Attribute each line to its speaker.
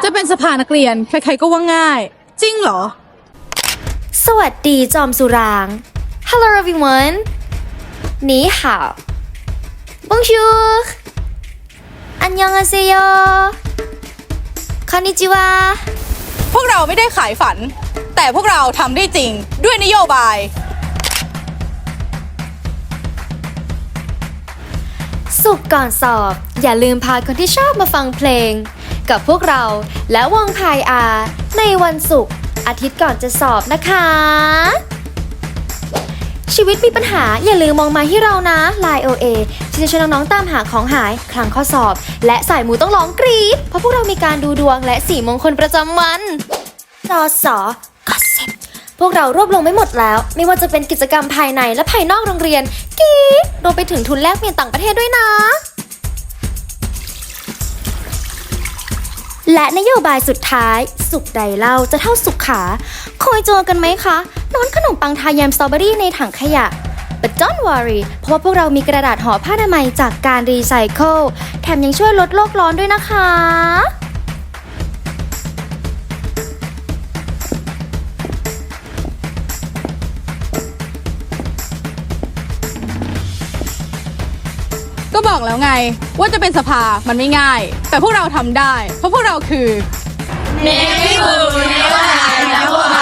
Speaker 1: จะเป็นสภานักเรียนใครๆก็ว่าง่าย จริงเหรอ
Speaker 2: สวัสดีจอมสุราง Hello everyone 你好 Bonjour อันยองอาเซโยคอนนิจิวา
Speaker 1: พวกเราไม่ได้ขายฝัน แต่พวกเราทำได้จริงด้วยนโยบาย
Speaker 2: สุขก่อนสอบ อย่าลืมพาคนที่ชอบมาฟังเพลง กับพวกเราและวงพายอาในวันศุกร์อาทิตย์ก่อนจะสอบนะคะ ชีวิตมีปัญหาอย่าลืมมองมาที่เรานะ Line OA ที่จะช่วยน้องๆตามหาของหายคลังข้อสอบ และสายมูต้องร้องกรี๊ดเพราะพวกเรามีการดูดวงและสีมงคลประจำวันรอสอก็เสร็จพวกเรารวบรวมไว้หมดแล้ว ไม่ว่าจะเป็นกิจกรรมภายในและภายนอกโรงเรียนกรี๊ดรวมไปถึงทุนแลกเปลี่ยนต่างประเทศด้วยนะ และนโยบายสุดท้ายสุขใดเล่าจะเท่าสุขขาเคยเจอกันไหมคะนอนขนมปังทาแยมสตรอเบอรี่ในถังขยะ But don't worry เพราะว่าพวกเรามีกระดาษห่อผ้าอนามัยจากการรีไซเคิลแถมยังช่วยลดโลกร้อนด้วยนะคะ
Speaker 1: ก็บอกแล้วไงว่าจะเป็นสภามันไม่ง่าย แต่พวกเราทำได้ เพราะพวกเราคือ Navy Blue ในวัน